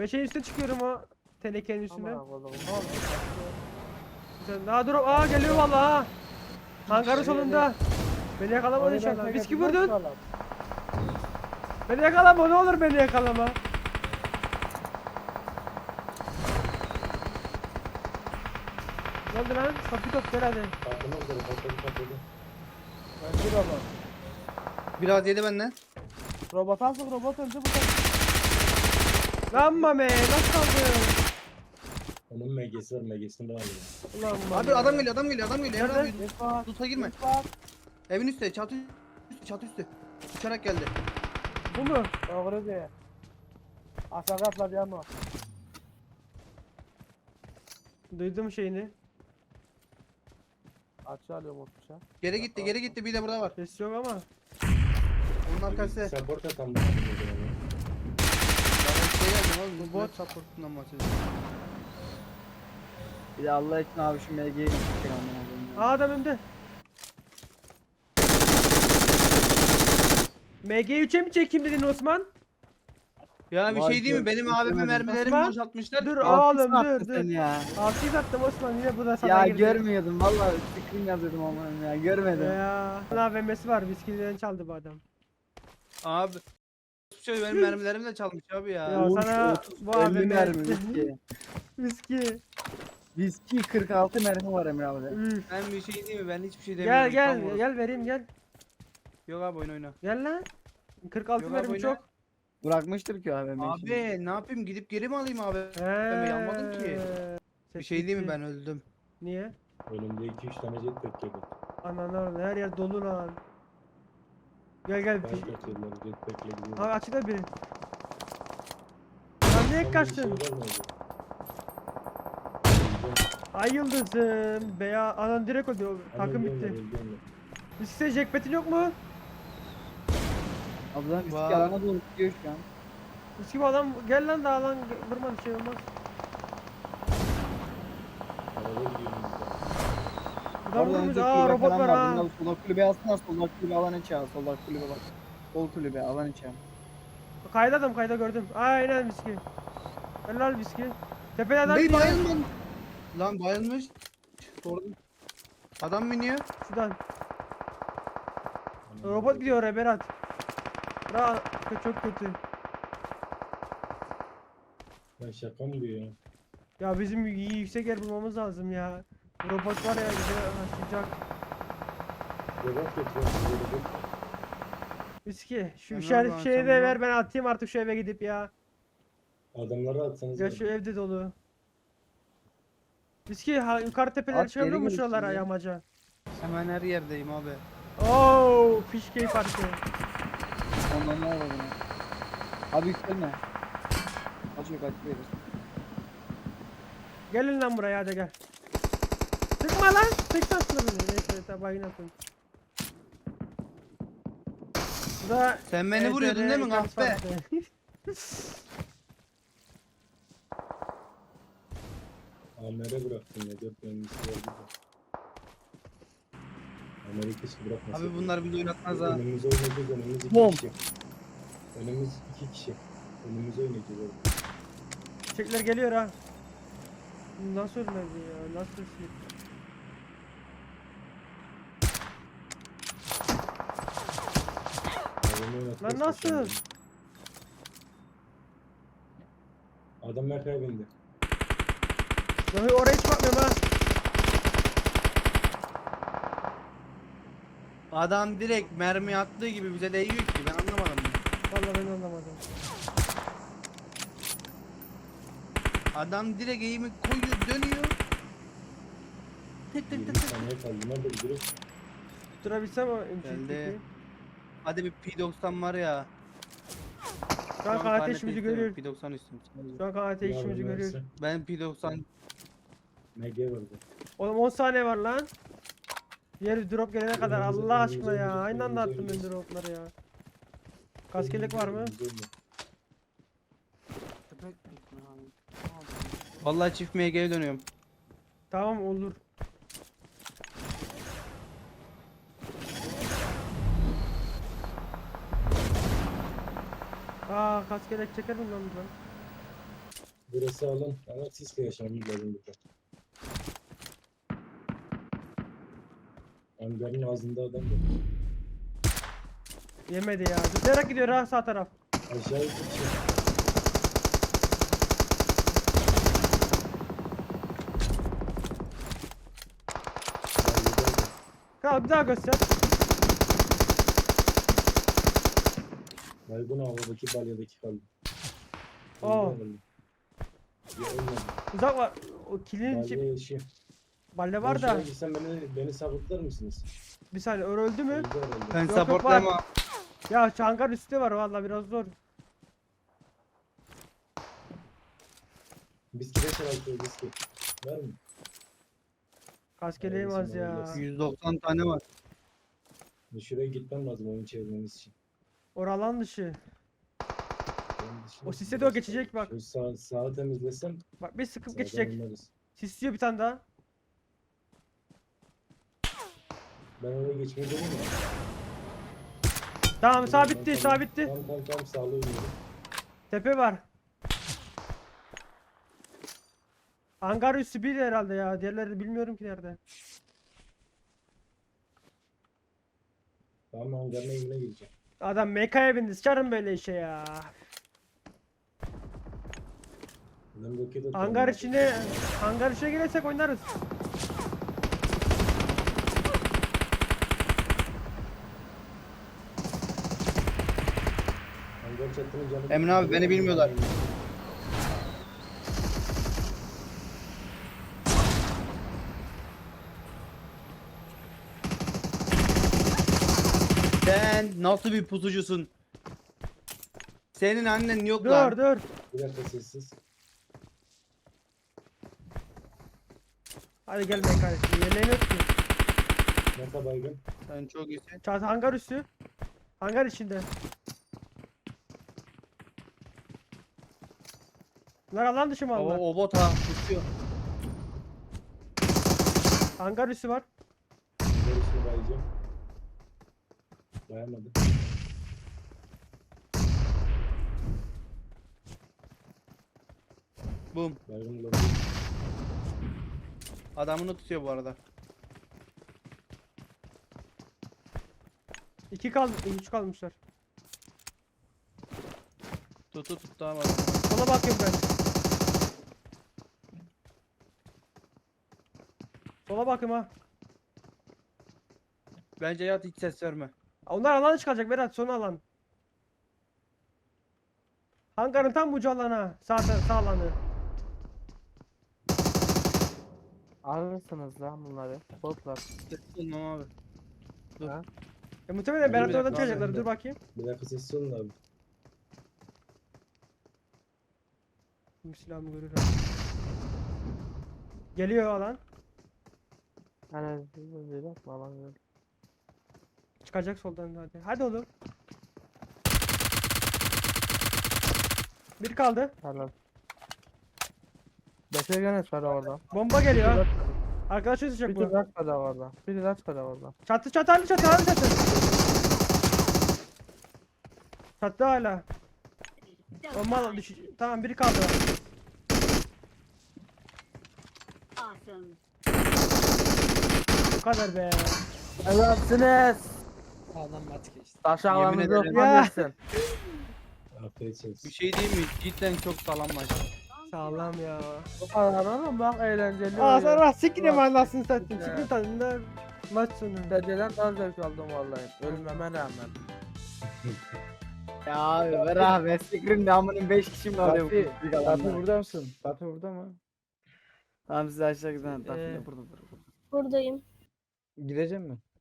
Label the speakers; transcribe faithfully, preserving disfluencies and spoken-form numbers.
Speaker 1: Ben şeyin üstüne çıkıyorum o tenekenin üstüne.
Speaker 2: Aman Allah'ım. Ne oldu?
Speaker 1: Sen daha dur. Aa geliyor vallahi ha. Hangarın solunda. Beni yakalama
Speaker 2: Oraya
Speaker 1: inşallah.
Speaker 2: ben
Speaker 1: Viski
Speaker 2: tekrar
Speaker 1: vurdun.
Speaker 2: inşallah.
Speaker 1: Beni yakalama, ne olur beni yakalama. Ne oldu lan? Kapıyı top gel hadi.
Speaker 3: Patlamak üzere patladı patladı.
Speaker 2: Ben bir robot.
Speaker 4: Biraz yedi benden.
Speaker 2: Robot alsın, robot öldü bu da.
Speaker 1: Lan mame nasıl kaldın?
Speaker 3: Onun M G'si var M G'sini de alıyor.
Speaker 1: Ulan mame.
Speaker 4: Abi adam geliyor adam geliyor adam geliyor. Emre
Speaker 1: Nerede?
Speaker 4: abi
Speaker 2: Git bak.
Speaker 4: tuta girme.
Speaker 2: Git bak.
Speaker 4: Evin üstü çatı üstü çatı üstü. Uçarak geldi.
Speaker 1: Bu mu?
Speaker 2: Doğru diye. Aşağı atladı ama.
Speaker 1: Duydum şeyini.
Speaker 2: Açı alıyorum o tuşa.
Speaker 4: Geri gitti geri gitti bir de burada var.
Speaker 1: Ses yok ama.
Speaker 4: Onun arkası.
Speaker 3: Support atan da.
Speaker 4: Ben şey yazdım oğlum.
Speaker 1: Bu
Speaker 4: Bu
Speaker 1: bot.
Speaker 4: bot supportundan bahsediyorum.
Speaker 5: Bir de Allah için abi şu M G'yi çekin amına koyayım.
Speaker 1: Aa adam önde. M G üçe mi çekeyim dedin Osman?
Speaker 4: Ya bir
Speaker 5: Vay
Speaker 4: şey değil mi?
Speaker 5: be,
Speaker 4: Benim abimin
Speaker 5: istemedim.
Speaker 4: mermilerimi
Speaker 1: Osman,
Speaker 4: boşaltmışlar.
Speaker 1: Dur
Speaker 5: Altı
Speaker 1: oğlum
Speaker 5: sattı
Speaker 1: dur
Speaker 5: sen
Speaker 1: dur.
Speaker 5: ya.
Speaker 1: Altıyı attım Osman, yine bu da sana
Speaker 5: Ya
Speaker 1: girdi.
Speaker 5: görmüyordum vallahi screen yazıyordum amına ya görmedim.
Speaker 1: Ya. A V M'si var, viskiden çaldı bu adam.
Speaker 4: Abi. Şey benim mermilerimi de çalmış abi ya.
Speaker 1: Ya
Speaker 5: Uğur,
Speaker 1: sana
Speaker 5: otuz,
Speaker 1: bu A V
Speaker 5: elli
Speaker 1: M
Speaker 5: mermi viski.
Speaker 1: Viski.
Speaker 5: Viski kırk altı mermi var Emre abi.
Speaker 1: Üf.
Speaker 4: Ben bir şey değil mi? Ben hiçbir şey demiyorum.
Speaker 1: Gel
Speaker 4: Tam
Speaker 1: gel
Speaker 4: orası.
Speaker 1: gel vereyim gel.
Speaker 4: Yok abi oyun oyna.
Speaker 1: Gel lan. kırk altı
Speaker 4: Yok abi,
Speaker 1: mermi
Speaker 4: oyna.
Speaker 1: çok.
Speaker 5: Bırakmıştır ki abi.
Speaker 4: Abi ne yapayım gidip geri mi alayım abi?
Speaker 1: Eee.
Speaker 4: yanmadım ki. Bir şey değil mi ben öldüm.
Speaker 1: Niye?
Speaker 3: Önümde iki üç tane jetpack yedi.
Speaker 1: Ananı orada her yer dolu lan. Gel gel.
Speaker 3: Kaç kaçırdılar jetpack'le gidiyor.
Speaker 1: Abi açıda biri. Lan niye kaçtın? Ay yıldızım. Beya anan direkt ödüyor. Takım bitti. Viski jackpot'in yok mu?
Speaker 5: Ablam viski
Speaker 4: Vay.
Speaker 5: alana doğru gidiyor şu an.
Speaker 1: Viski bu adam gel lan daha lan vurma bir şey olmaz. Adam
Speaker 5: Oradan
Speaker 1: vurmuş.
Speaker 5: önce
Speaker 1: Aa
Speaker 5: kulübe
Speaker 1: robot
Speaker 5: falan
Speaker 1: var
Speaker 5: var.
Speaker 1: ha.
Speaker 5: Bunlar solda kulübe alsana solda kulübe alan içe al. Solda kulübe bak. Sol kulübe alan içe al.
Speaker 1: Kayda adam kayda gördüm. Aynen viski. Helal viski. Tepede adam
Speaker 4: Bey
Speaker 1: iniyor.
Speaker 4: bayılmadı. Lan bayılmış. Sordum. Adam biniyor.
Speaker 1: Şuradan. Robot gidiyor oraya Berat. Bra çok kötü.
Speaker 3: Ya şaka mı diyor ya?
Speaker 1: Ya bizim iyi yüksek yer bulmamız lazım ya. Robot var ya bize başlayacak.
Speaker 3: Robot getiriyor. Robot.
Speaker 1: Viski şu
Speaker 4: Ben
Speaker 1: işaret
Speaker 4: oradan
Speaker 1: şeyi de
Speaker 4: açacağım
Speaker 1: ver, ben atayım artık şu eve gidip ya.
Speaker 3: Adamları atsanız.
Speaker 1: Ya şu evde dolu. Viski ha, yukarı tepelere
Speaker 5: At,
Speaker 1: çıkabiliyor
Speaker 5: geri
Speaker 1: mu
Speaker 5: gel
Speaker 1: şuralara
Speaker 5: şimdi.
Speaker 1: yamaca?
Speaker 4: Hemen her yerdeyim abi.
Speaker 1: Oo, fişkeyi parça.
Speaker 5: Ondan ne var buna? Abi yükselme. Kaçıyor kaçıyor verir.
Speaker 1: Gelin lan buraya hadi gel. Sıkma lan. Sıkma aslında beni. Neyse tabağı yine atın. Bu da
Speaker 4: Sen beni vuruyordun değil mi
Speaker 1: ekran
Speaker 4: kahpe?
Speaker 1: farkı.
Speaker 3: Amer'e bıraktım ya. Dört mühendisi vardı da. Amer'i keşke bırakmasaydı.
Speaker 4: Abi bunlar bizi oynatmaz ha.
Speaker 3: Önümüze oynayacağız. Önümüz iki
Speaker 5: Bom.
Speaker 3: kişi. Önümüz iki kişi. Önümüze oynayacağız oğlum.
Speaker 1: Çiçekler geliyor ha. Nasıl ölmedi ya? Nasıl ölmedi?
Speaker 3: Adamı oynatacağız,
Speaker 1: Lan nasıl?
Speaker 3: kaçalım. Adam Merkay'a bindi.
Speaker 1: Ya oraya hiç bakmıyorum ha.
Speaker 4: Adam direkt mermi attığı gibi bize değiyor ki ben anlamadım. bunu.
Speaker 1: Vallahi ben anlamadım.
Speaker 4: Adam direkt eğimi koyuyor dönüyor. Tık tık tık
Speaker 3: yirmi
Speaker 4: tık.
Speaker 3: saniye kaldı. Nerede gidiyoruz?
Speaker 1: Tutturabilsem o
Speaker 4: Geldi.
Speaker 1: M C'yi.
Speaker 4: Hadi bir P doksan var ya.
Speaker 1: Şu an K T işimizi görüyor.
Speaker 4: P doksan üstüm.
Speaker 1: Şu an K T işimizi görüyor.
Speaker 4: Ben P doksan
Speaker 3: M G vardı.
Speaker 1: Oğlum on saniye var lan. Diğer drop gelene kadar
Speaker 3: Önümüze,
Speaker 1: Allah
Speaker 3: önümüze,
Speaker 1: aşkına ya.
Speaker 3: önümüze,
Speaker 1: Aynı anda
Speaker 3: önümüze,
Speaker 1: attım ben
Speaker 3: önümüze.
Speaker 1: dropları ya. Kaskelek var mı?
Speaker 3: Önümüze oynuyor.
Speaker 4: Vallahi çift M G'ye dönüyorum.
Speaker 1: Tamam olur. Aa kaskelek çeker mi lan buradan?
Speaker 3: Burası alın. Ama sisle yaşamı lazım burada. Hangarın ağzında adam var.
Speaker 1: Yemedi ya. Zıplayarak gidiyor ha sağ taraf.
Speaker 3: Aşağı iki kişi.
Speaker 1: Kal bir daha göster.
Speaker 3: Baygın havadaki balyadaki kaldı.
Speaker 1: Aa.
Speaker 3: Öldü, öldü. Ya ölmedi.
Speaker 1: Uzak var. O kilin içi
Speaker 3: Balya yaşıyor.
Speaker 1: balle var da.
Speaker 3: Şuraya gitsem beni, beni sabıtlar mısınız?
Speaker 1: Bir saniye öyle öldü mü?
Speaker 3: Öldü herhalde.
Speaker 4: Ben
Speaker 1: Yok, yok,
Speaker 4: supportlayamam.
Speaker 1: Ya çangar üstü var valla biraz zor.
Speaker 3: Biz kire çalışıyoruz biz ki. Var mı?
Speaker 1: Kaskeleğim
Speaker 3: Neredesin
Speaker 1: az ya.
Speaker 3: oğlum?
Speaker 4: yüz doksan tane var.
Speaker 3: Şuraya gitmem lazım oyun çevirmemiz için.
Speaker 1: Oralan dışı.
Speaker 3: Onun dışında
Speaker 1: O sise de o
Speaker 3: biraz-
Speaker 1: geçecek bak.
Speaker 3: Şu sağ, sağı temizlesem
Speaker 1: Bak bir sıkıp
Speaker 3: sağdan
Speaker 1: geçecek.
Speaker 3: oynarız.
Speaker 1: Sisliyor bir tane daha.
Speaker 3: Ben oraya geçmeyi deneyim mi?
Speaker 1: Tamam sağ
Speaker 3: Tamam,
Speaker 1: bitti
Speaker 3: tamam.
Speaker 1: sağ bitti.
Speaker 3: Tamam tamam tamam sağlı oynuyorum.
Speaker 1: Tepe var. Hangar üstü bir herhalde ya. Diğerleri bilmiyorum ki nerede.
Speaker 3: Tamam hangarın evine gireceğim.
Speaker 1: Adam mekaya bindi. Sıçarım böyle işe ya.
Speaker 3: Ben roket atıyorum.
Speaker 1: Hangar içine hangar içine girersek oynarız.
Speaker 3: Hangar çatının canı.
Speaker 4: Emre abi, beni bilmiyorlar. Sen nasıl bir pusucusun? Senin annen yok lan.
Speaker 1: Dur dur.
Speaker 3: Bir dakika sessiz.
Speaker 1: Hadi gel mekaya. Yemeğin yok ki.
Speaker 3: Meta baygın.
Speaker 4: Sen çok iyisin.
Speaker 1: Çat hangar üstü. Hangar içinde. Bunlar alan dışı mı
Speaker 4: O,
Speaker 1: aldılar?
Speaker 4: o bot ha pusuyor.
Speaker 1: Hangar üstü var.
Speaker 3: Hangar üstüne bayacağım. Bayamadı.
Speaker 4: Bum.
Speaker 3: Baygın olabilir.
Speaker 4: Adamını tutuyor bu arada.
Speaker 1: İki kaldı. Üç kalmışlar.
Speaker 4: Tutu tut tamam.
Speaker 1: Sola bakıyorum ben. Sola bakıyorum ha.
Speaker 4: Bence yat, hiç ses verme.
Speaker 1: Onlar alan çıkacak Berat, son alan. Hangarın tam ucu alana. Sağ, sağ alanı.
Speaker 2: Alırsınız lan bunları. Botlar.
Speaker 4: Ses olmam abi. Dur.
Speaker 2: Ha?
Speaker 1: E, muhtemelen Berat
Speaker 4: bir
Speaker 1: oradan
Speaker 4: dakika abi,
Speaker 1: çıkacaklar.
Speaker 3: bir
Speaker 1: Dur
Speaker 3: dakika.
Speaker 1: bakayım.
Speaker 3: Bir dakika sessiz olun abi.
Speaker 1: Şimdi silahımı görür ha. Geliyor alan.
Speaker 2: Hani bir bakma lan. böyle.
Speaker 1: Çıkacak soldan hadi. Hadi oğlum. Bir kaldı.
Speaker 2: Helal. Beşe gene var orada.
Speaker 1: Bomba geliyor ha. Arkadaşı düşecek
Speaker 2: Bir
Speaker 1: bu.
Speaker 2: de kaç kadar orada. Bir de kaç kadar orada.
Speaker 1: Çatı çatı hadi çatı hadi çatı. Çatı hala. Bomba düş. Tamam biri kaldı.
Speaker 6: Awesome.
Speaker 1: Bu kadar be.
Speaker 2: Helalsiniz.
Speaker 5: Adam mat geçti.
Speaker 2: Aşağılarınızı
Speaker 4: Yemin ederim.
Speaker 1: Ya.
Speaker 2: okumalısın.
Speaker 3: Afiyet olsun.
Speaker 4: Bir şey değil mi? Cidden çok sağlam maç.
Speaker 1: Sağlam ya.
Speaker 2: Bu kadar oğlum bak eğlenceli
Speaker 1: Aa
Speaker 2: oluyor.
Speaker 1: sen rahat sikine mi anlarsın sen?
Speaker 2: Ya.
Speaker 1: Sikine tadında maç sonu.
Speaker 2: Dereceden daha zevk aldım vallahi. Ölmeme rağmen.
Speaker 5: Ya abi ver abi. Sikrin damının beş kişi mi alıyor?
Speaker 7: Fatih,
Speaker 5: bu büyük
Speaker 7: Fatih
Speaker 5: alanlar?
Speaker 7: burada mısın? Fatih burada mı?
Speaker 5: Tamam siz aşağı gidin. Tatlı
Speaker 1: Ee,
Speaker 5: burada burada.
Speaker 6: Buradayım.
Speaker 7: Gidecek mi?